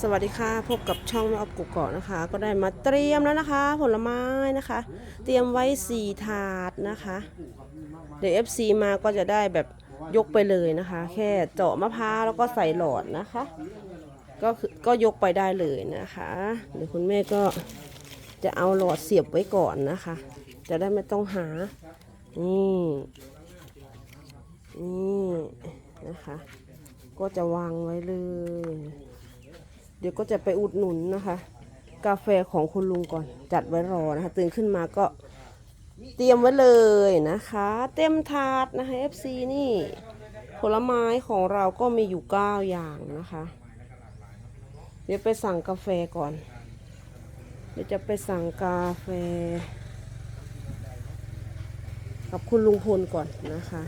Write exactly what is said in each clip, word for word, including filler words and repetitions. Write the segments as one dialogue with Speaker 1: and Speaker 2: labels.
Speaker 1: สวัสดีค่ะพบกับช่องแม่ออฟกุกเกาะนะคะก็ได้มาเตรียมแล้วนะคะ ผลไม้นะคะ เตรียมไว้สี่ถาดนะคะเดี๋ยว เอฟ ซี มาก็จะได้แบบยกไปเลยนะคะ แค่เจาะมะพร้าวแล้วก็ใส่หลอดนะคะ ก็คือก็ยกไปได้เลยนะคะเดี๋ยวคุณแม่ก็จะเอาหลอดเสียบไว้ก่อนนะคะ จะได้ไม่ต้องหานี่นี่นะคะ ก็จะวางไว้เลยเดี๋ยวก็จะไปอุดหนุนนะคะ กาแฟของคุณลุงก่อนจัดไว้รอนะคะตื่นขึ้นมาก็เตรียมไว้เลยนะคะเต็มถาดนะคะ เอฟ ซี นี่ผลไม้ของเราก็มีอยู่เก้าอย่างนะคะเดี๋ยวไปสั่งกาแฟก่อนเดี๋ยวจะไปสั่งกาแฟกับคุณลุงพลก่อนนะคะ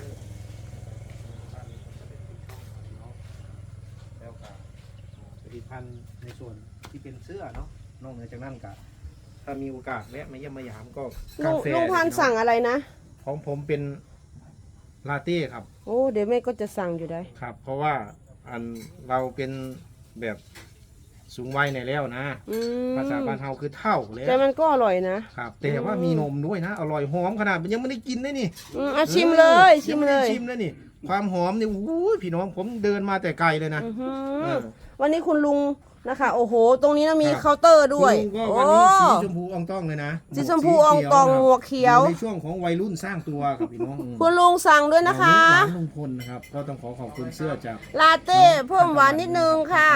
Speaker 2: ผลิตภัณฑ์ในส่วนที่เป็นเสื้อเนาะนอกเหนือจากนั้นก็ถ้ามีโอกาสแวะมาเยี่ยมมายามก็
Speaker 1: ลุ
Speaker 2: กาง แฟ
Speaker 1: ลุงพันธุ์สั่งอะไรนะ
Speaker 2: ของผมเป็นลาเต้ครับ
Speaker 1: โอ้เดี๋ยวแม่ก็จะสั่งอยู่ได้
Speaker 2: ครับ เพราะว่าอันเราเป็นแบบสูงวัยในแล้วนะ
Speaker 1: อืม
Speaker 2: ภาษาบ้านเฮาคือเท่าเลย
Speaker 1: แต่มันก็อร่อยนะครับ
Speaker 2: แต่ว่ามีนมด้วยนะอร่อยหอมขนาดมันยังไม่ได้กินเลยนี่
Speaker 1: อืมอ่ะชิมเลยชิม
Speaker 2: งไได้
Speaker 1: เลย
Speaker 2: ชิมเลยนี่ ความหอมนี่โอ้ยพี่น้องผมเดินมาแต่ไกลเลยนะ
Speaker 1: อื้อหือ
Speaker 2: เออ
Speaker 1: วันนี้คุณลุงนะคะ โอ้โห ตรงนี้นะมี
Speaker 2: ครับ
Speaker 1: เคาน์เตอร์ด้วย
Speaker 2: คุณลุงก็
Speaker 1: โอ้
Speaker 2: วันนี้สีชมพูอองต้องเลยนะ
Speaker 1: สีชมพูอองตองหมวกเขียว
Speaker 2: อยู่ในช่วงของวัยรุ่นสร้างตัวครับพี่น้อง
Speaker 1: คุณลุงสั่งด้วยนะคะ
Speaker 2: ร้านลุงพลนะครับก็ต้องขอขอบคุณเสื้อจาก
Speaker 1: ลาเต้เพิ่มหวานนิดนึงค่ะ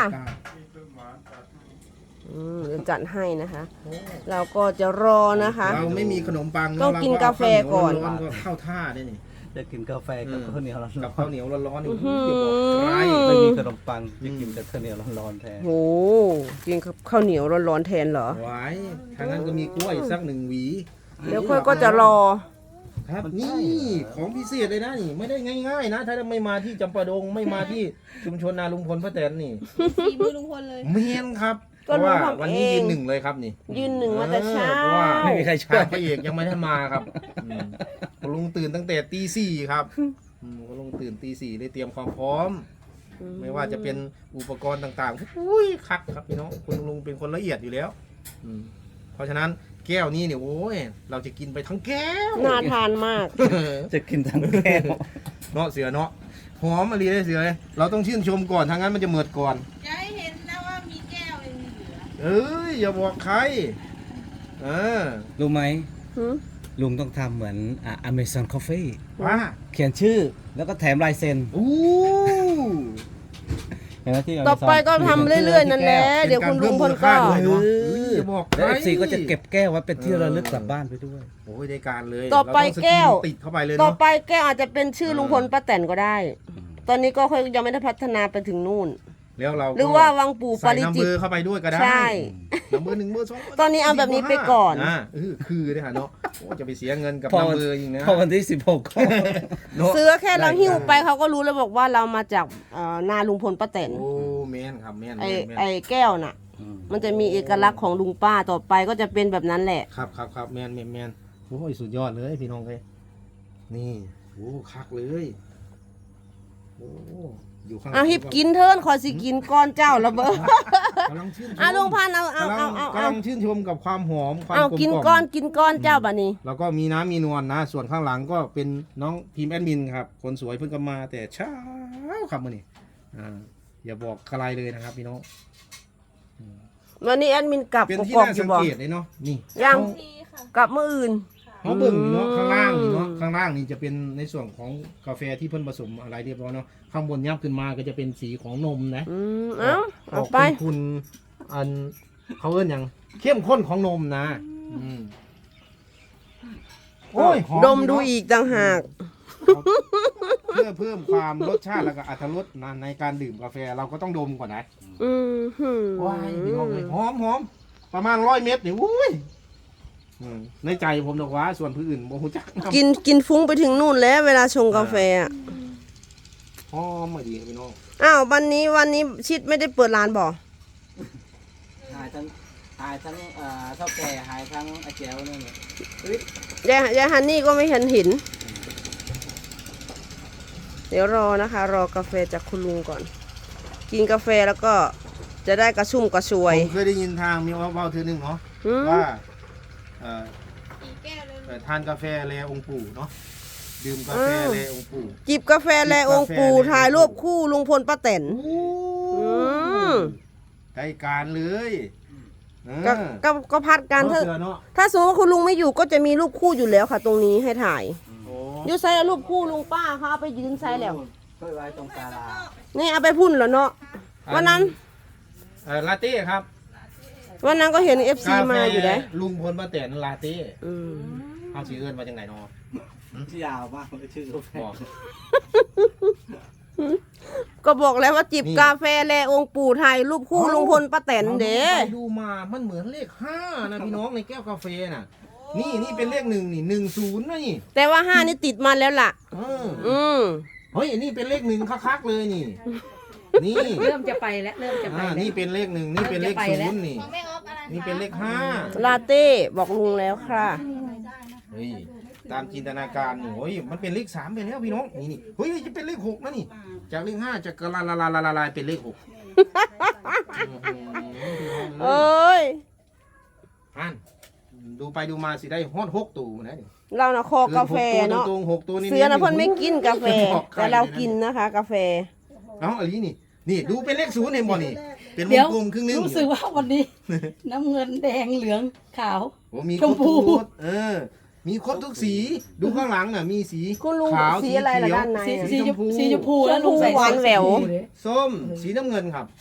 Speaker 1: อืมเดี๋ยวจัดให้นะคะ เราก็จะรอนะคะ
Speaker 2: เราไม่มีขนมปัง
Speaker 1: ต้องกินกาแฟก่อน
Speaker 2: ร้อนๆก็เข้าท่าได้นี่
Speaker 3: จะกินกาแฟกับข้าวเหนียวร้อนๆ
Speaker 2: กับข้าวเหนียวร้อนๆนี่
Speaker 1: อื้อหือ
Speaker 2: จะบอกใคร
Speaker 3: ไม่มีขนมปังจะกินแต่ข้าวเหนียวร้อนๆแทน
Speaker 1: โหกินกับข้าวเหนียวร้อนๆแทนเหรอ
Speaker 2: ไว้ทางนั้นก็มีกล้วยสักหนึ่งหวี
Speaker 1: เดี๋ยวค่อยก็จะรอ
Speaker 2: ครับนี่ของพิเศษเลยนะนี่ไม่ได้ง่ายๆนะ ถ้าไม่มาที่จำปาดงไม่มาที่ชุมชนนาลุงพลป้าแตนนี่
Speaker 4: ฝีมือลุงพลเลย
Speaker 2: เมียนครับเพ
Speaker 1: ก็
Speaker 2: ราะ
Speaker 1: ลุง
Speaker 2: ว่า
Speaker 1: ทำ
Speaker 2: วันนี้
Speaker 1: เอง
Speaker 2: ยืนหนึ่งเลยครับนี่
Speaker 1: ยืนหนึ่งมาแต่เช้า
Speaker 2: เพราะว่า
Speaker 3: ไม่มีใครช่วย
Speaker 2: พระเอกยังไม่ได้มาครับอืมคุณลุงตื่นตั้งแต่ตีสี่ครับอืมคุณลุงตื่นตีสี่เลยเตรียมความพร้อม ไม่ว่าจะเป็นอุปกรณ์ต่างๆอุ้ยคักครับพี่น้องคุณลุงเป็นคนละเอียดอยู่แล้วอืมเพราะฉะนั้นแก้วนี้เนี่ยโอ้ยเราจะกินไปทั้งแก้ว
Speaker 1: น่าทานมาก
Speaker 3: จะกินทั้งแก้ว
Speaker 2: เนาะเสือเนาะหอมอะไรได้เสือเราต้องชื่นชมก่อนทางนั้นมันจะเหมิดก่อน
Speaker 4: จะให้เห็นนะว่ามีแก้วยังมีเหลือ
Speaker 2: เอ้ยอย่าบอกใครเออ
Speaker 3: รู้ไหม
Speaker 1: หืม
Speaker 3: ลุงต้องทำเหมือนอ่ะ Amazon Coffee
Speaker 2: ว่า
Speaker 3: เขียนชื่อแล้วก็แถมลายเซ็น
Speaker 2: อู้
Speaker 3: เห็นไหมที่
Speaker 1: ต่อไปก็ทำเรื่อยๆนั่นแหละเดี๋ยวคุณลุงพลก็
Speaker 2: เป็นารเพิ่มมูลค่าด้วยเนาะเอ้ยอย่าบอกใคร
Speaker 3: แล้วเอฟซีก็จะเก็บแก้วไว้เป็นที่ระลึกกลับบ้านไปด้วย
Speaker 2: โอ้ยได้การเลย
Speaker 1: ต่อไป
Speaker 2: เรางสน
Speaker 1: แก้ว
Speaker 2: ติดเข้าไปเลย
Speaker 1: ต่อ
Speaker 2: เนาะ
Speaker 1: ไปแกอาจจะเป็นชื่อลุงพลป้าแตนก็ได้ ตอนนี้ก็ค่อยยังไม่ได้พัฒนาไปถึงนู่น
Speaker 2: แล้วเราก็
Speaker 1: หรือว่าวังปู่ปา
Speaker 2: ใส่
Speaker 1: ริ
Speaker 2: น้ำ
Speaker 1: จิ
Speaker 2: เบ
Speaker 1: ต
Speaker 2: อร์เข้าไปด้วยก็ได้
Speaker 1: ใช่
Speaker 2: น้ำเบอร์หนึ่งเบอร์สอง
Speaker 1: ตอนนี้เอาแบบนี้ไปก่อน
Speaker 2: อ่าเออคือได้ค่ะเนาะโอ้จะไปเสียเงินกับ
Speaker 3: พอ
Speaker 2: น้ำเบอร์อีกนะ
Speaker 3: พอวันที่สิบหกก็
Speaker 2: เนาะ
Speaker 1: ซื้อแค่เราหิ้วไปเขาก็รู้แล้วบอกว่าเรามาจากเอ่อนาลุงพลป้าแตน
Speaker 2: โอ้แมนครับแมน
Speaker 1: ไอ
Speaker 2: แม่นแม่น
Speaker 1: ไอแก้วน่ะ มันจะมีเอกลักษณ์ของลุงป้าต่อไปก็จะเป็นแบบนั้นแหละ
Speaker 2: ครับครับครับแมนแมนแมนโอ้ยสุดยอดเลยพี่น้องเลยนี่โอ้คักเลยโอ้อยู่ข้างหลัง
Speaker 1: เอาหิบกินเทินขอสิกินก้อนเจ้าระเบิด
Speaker 2: กำลังชื่นชม
Speaker 1: อ่ะลุงพันธุ์เอาเอา
Speaker 2: กำลั
Speaker 1: เอา
Speaker 2: ง
Speaker 1: เอา
Speaker 2: กำ
Speaker 1: เอา
Speaker 2: ลังชื่นชมกับความหอมความ
Speaker 1: เอา
Speaker 2: ลม
Speaker 1: กิน
Speaker 2: ล่ม
Speaker 1: ก้อนกินก้อนเจ้าบัดนี้
Speaker 2: แล้วก็มีน้ำมีนวลนะ ส่วนข้างหลังก็เป็นน้องทีมแอดมินครับ คนสวยเพิ่งก็มาแต่เช้าครับมื่อนี้อ่าอย่าบอกใครเลยนะครับพี่น้อง
Speaker 1: วันนี้แอดมินกลับ
Speaker 2: เป็น
Speaker 1: ก
Speaker 2: ที่
Speaker 1: อก
Speaker 2: น่า
Speaker 1: อ
Speaker 2: สั
Speaker 1: ยู่
Speaker 2: ง
Speaker 1: บ่
Speaker 2: เกตเลยเนาะนี่
Speaker 1: ยัง
Speaker 2: เขา
Speaker 4: ดีค่ะ
Speaker 1: กลับเมื่ออื่น
Speaker 2: เขาเบิ่งนี่เนาะ
Speaker 1: อืม
Speaker 2: ข้างล่างนี่เนาะข้างล่างนี่จะเป็นในส่วนของกาแฟที่เพิ่นผสมอะไรเรียบร้อยเนาะข้างบนยับขึ้นมาก็จะเป็นสีของนมนะ
Speaker 1: อืมเอา
Speaker 2: อ
Speaker 1: เอา
Speaker 2: อก
Speaker 1: ไป
Speaker 2: เป็นคุณอันเขาเอิ้นอย่างเข้มข้นของนมนะอืมโอ้ยหอ
Speaker 1: ดมดู
Speaker 2: เนาะ
Speaker 1: อีกต่างหาก
Speaker 2: เพื่อเพิ่มความรสชาติแล้วก็อรรถรสนะในการดื่มกาแฟเราก็ต้องดมก่อนนะ
Speaker 1: อืมหืม
Speaker 2: ว้ายพี่น้องเลยหอมหอมประมาณร้อยเม็ดนี่อุ้ยอืมในใจผมดอกว่าส่วนผู้อื่นโมโหจักนำ
Speaker 1: กินกินฟุ้งไปถึงนู่นแล้วเวลาชงกาแฟอ่ะ
Speaker 2: หอมมาดีพี่น้อง
Speaker 1: อ้าววันนี้วันนี้ชิดไม่ได้เปิดร้านบ่
Speaker 3: หายทั้งหายทั้งเอ่อเท่าแก่หายทั้งอาเจียวนี่เนี่ย
Speaker 1: ยายยายฮันนี่ก็ไม่เห็นเห็น เดี๋ยวรอนะคะ รอกาแฟจากคุณลุงก่อน กินกาแฟแล้วก็จจะได้กระชุ่มกระชว
Speaker 2: ผ
Speaker 1: ย
Speaker 2: มเคยได้ยินทางมีว่าเว้าเธอหนึ่งเนาะ
Speaker 1: อืม
Speaker 2: ว่าเอ่อ
Speaker 4: กี่แก้วเลย
Speaker 2: เอ่อทานกาแฟแลองค์ปู่เนาะดื่มกาแฟแลองค์ปู่
Speaker 1: จิบกาแฟแลองค์ปู่ถ่ายรูปคู่ลุงพลป้าแตนอืม
Speaker 2: ใกล้การเลยเออ
Speaker 1: ก็ก็ก็พัดกัน
Speaker 2: เนาะ
Speaker 1: ถ้า
Speaker 2: เสือเนาะ
Speaker 1: ถ้าสมมติว่าคุณลุงไม่อยู่ก็จะมีรูปคู่อยู่แล้วค่ะ ตรงนี้ให้ถ่าย
Speaker 2: โอ้
Speaker 1: อยู่ไซแล้วรูปคู่ลุงป้าเขาเอาไปยืนไซแล้ว
Speaker 3: เพื่อไว้ตรงศาลา
Speaker 1: นี่เอาไปพุ่นแล้วเนาะวันนั้น
Speaker 2: เอ่อลาเต้ครับ
Speaker 1: วันนั้นก็เห็นเอฟซี
Speaker 2: กาแฟ
Speaker 1: มาอยู่ได้
Speaker 2: ลุงพลป้าแตนลาเต้
Speaker 1: อืม
Speaker 2: เอาชื่อเอิ้นมาจากไหนเนาะ
Speaker 3: ที่ยาวมากเลยชื่อกาแฟ
Speaker 2: บอก
Speaker 1: ก็บอกแล้วว่าจิบกาแฟแลองค์ปู่ถ่ายรูปคู่ลุงพลป้าแตนเด้
Speaker 2: ไปดูมามันเหมือนเลขห้านะพี่น้องในแก้วกาแฟน่ะ นี่นี่เป็นเลขหนึ่งนี่หนึ่งศูนย์นะนี่
Speaker 1: แต่ว่าห้านี่ติดมาแล้วล่ะ
Speaker 2: เออ
Speaker 1: อืม
Speaker 2: เฮ้ยอันนี้เป็นเลขหนึ่งคักๆเลยนี่ นี่
Speaker 5: เริ่มจะไปแล้วเริ่มจะไป
Speaker 2: อ่า
Speaker 5: แล้ว
Speaker 2: นี่เป็นเลขหนึ่งนี่เป็นเลข
Speaker 5: จะไป
Speaker 2: ศู
Speaker 5: แล้ว
Speaker 2: นย์นี่
Speaker 4: ของแม่ออฟอะไรคะ
Speaker 2: นี่เป็นเลขห้า
Speaker 1: ลาเต้บอกลุงแล้วค่ะ
Speaker 2: เฮ้ยตามจินตนาการนี่โอ้ยมันเป็นเลขสามไปแล้วพี่น้องนี่นี่เฮ้ยจะเป็นเลขหกนะนี่ จากเลขห้าจะกระลาลาลาลาลาลายเป็นเลขหก
Speaker 1: เอ้ย
Speaker 2: อ่านดูไปดูมาสิได้ฮอดหกตัวนะนี่
Speaker 1: เรานะคอกาแฟเนาะ
Speaker 2: ตรงๆหกตัวนี่
Speaker 1: เสือนะเพิ่นไม่กินกาแฟ
Speaker 2: บอกใค
Speaker 1: แต่เรากินนะคะ กาแฟ
Speaker 2: เอ้าอันนี้นี่นี่ดูเป็นเลขศูนย์เห็นบ่นี่เป็นว
Speaker 5: เดี๋
Speaker 2: ง
Speaker 5: ยว
Speaker 2: กลมครึ่งหนึง
Speaker 5: รู้สึกว่าวันนี้ น้ำเงินแดงเหลืองขาว
Speaker 2: โอ้มีค
Speaker 5: ช
Speaker 2: ร
Speaker 5: ม
Speaker 2: บ
Speaker 5: พู
Speaker 2: ทุกรสเออ มีครบทุกสีดูข้างหลังน่ะมีสี
Speaker 1: คุณลุง
Speaker 2: ขาว
Speaker 1: สีอะไรล่ะ
Speaker 2: เขียว
Speaker 1: ด้านใน
Speaker 5: สี
Speaker 1: อะ
Speaker 5: สี
Speaker 2: ช
Speaker 5: ช
Speaker 2: ม
Speaker 5: ม
Speaker 2: พู
Speaker 5: พูสีชมพูแล้วลุงใส่
Speaker 1: หวานแหวว
Speaker 2: ส้มสีน้ำเงินครับ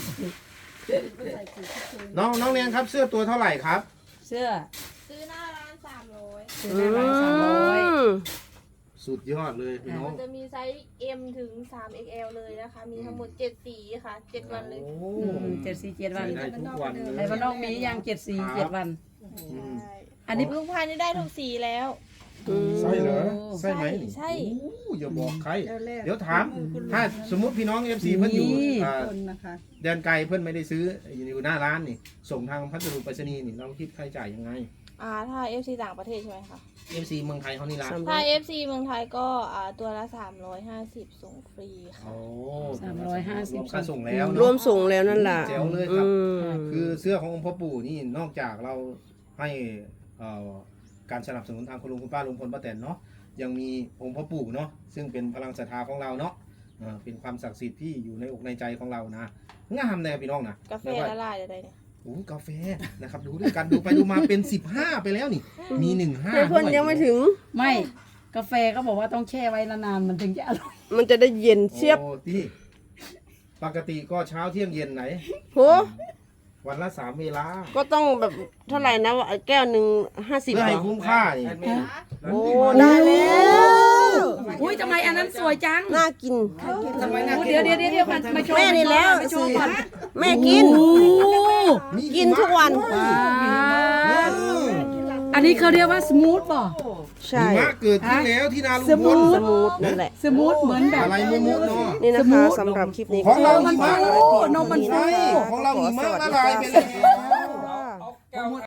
Speaker 2: น้องน้องเนียนครับเสื้อตัวเท่าไหร่ครับ
Speaker 5: เสื้อ
Speaker 4: ซื้อหน้าร้านสามร้อย
Speaker 5: ซื้อในร้านสามร้อย
Speaker 1: อืม
Speaker 2: สุดยอดเลยพี่น้อง
Speaker 4: มันจะมีไซส์ M ถึง สาม เอ็กซ์ แอล เลยนะคะ มีทั้งหมดเจ็ดสีค่ะเจ็ดวันเลย
Speaker 2: โอ้
Speaker 5: อืมเจ็ดสี่เจ็ดวัน
Speaker 2: ใส่ได้ทุกวันเลย
Speaker 5: ไอ้บ้านนอกมีอย่างเจ็ดสี่เจ็ดวัน
Speaker 2: อืม
Speaker 4: ใช่
Speaker 5: อันนี้
Speaker 4: ลุงพายนี่ได้ทุกสีแล้ว
Speaker 1: อืม
Speaker 2: ใช่เหรอใช่ไหม
Speaker 4: ใช่
Speaker 2: โอ้อย่าบอกใคร เดี๋ยวถาม ถ้าสมมุติพี่น้องเอฟซีเพิ่นอยู่อ่าแดนไกลเพิ่นไม่ได้ซื้ออยู่หน้าร้านนี่ ส่งทางพัสดุไปรษณีย์นี่เราคิดค่าใช้จ่ายยังไง
Speaker 4: อ่าถ้า เอฟ ซี ต่างประเทศใช่ไหมคะ
Speaker 2: เอฟซีเมืองไทยเขานี่ร้าน
Speaker 4: ถ้า เอฟ ซี เมืองไทยก็อ่าตัวละสามร้อยห้าสิบส่งฟรีค่ะ
Speaker 2: โอ้
Speaker 5: สามร้อยห้าสิบ
Speaker 2: วมค่าส่งแล้ว
Speaker 1: ร
Speaker 2: เนาะ
Speaker 1: วมส่งแล้วนั่นล่ะ
Speaker 2: แจ๋วเลยครับ
Speaker 1: อืม
Speaker 2: คือเสื้อขององค์พ่อปู่นี่นอกจากเราให้เอ่อการสนับสนุนทางคุณลุงคุณป้าลุงพลป้าแตนเนาะยังมีองค์พ่อปู่เนาะซึ่งเป็นพลังศรัทธาของเราเนาะเอ่อเป็นความศักดิ์สิทธิ์ที่อยู่ในอกในใจของเรานะงามแน่พี่น้องนะ
Speaker 4: กาแฟ
Speaker 2: ไม่ว่า
Speaker 4: ละลายอะไรเนี่ย
Speaker 2: โอ้กาแฟนะครับดูด้วยกันดูไปดูมาเป็นสิบห้าไปแล้วนี่ มีหนึ่งห้า
Speaker 1: เพื่อนยังไม่ถึง
Speaker 5: ไม่กาแฟก็บอกว่าต้องแช่ไว้นานๆมันถึงจะอร่อย
Speaker 1: มันจะได้เย็นเชียบ
Speaker 2: โอ้ที่ปกติก็เช้าเที่ยงเย็นไหน
Speaker 1: โห
Speaker 2: วันละสามเวลา
Speaker 1: ก็ต้องแบบเท่าไหร่นะแก้วหนึ่งห้าสิบ
Speaker 2: เพื่อให้คุ้มค่านี่
Speaker 1: โอ้ได้แล้ว
Speaker 5: อุ้ยทำไมอันนั้นสวยจัง
Speaker 1: น่ากิน
Speaker 2: ทำไมน่า
Speaker 5: เดี๋ยวเดี๋ยวเดี๋ยวเดี๋ยวมามาโชว์
Speaker 1: แม่นี่แล้ว
Speaker 5: มาโชว์ก่อน
Speaker 1: แม่กิน
Speaker 5: โอ้
Speaker 2: มี
Speaker 1: กินทุกวัน
Speaker 2: หิมะด้วย
Speaker 5: อันนี้เขาเรียกว่าสมูทป่ะ
Speaker 1: ใช่
Speaker 2: หิมะเกิดขึ้นแล้วที่นาลุง
Speaker 5: ส
Speaker 2: พ
Speaker 5: มู
Speaker 2: ล
Speaker 5: ท
Speaker 1: สมูทนั่นแหละ
Speaker 5: สมูทเหมือนแบบ
Speaker 2: อะไรมุมุเนาะ
Speaker 1: นี่นะคะสำหรับคลิปนี้
Speaker 2: ของเรา
Speaker 1: ก็
Speaker 2: หิมะ
Speaker 1: ฝากไว้เพียง
Speaker 5: นมมัน
Speaker 1: เท่า
Speaker 2: ใช่
Speaker 1: นี้นะคะ
Speaker 2: ของเราหิมะ
Speaker 1: ขอสวัส
Speaker 2: ละ
Speaker 1: ดี
Speaker 2: ลาย
Speaker 1: ค่ะ
Speaker 2: ไปแล้ว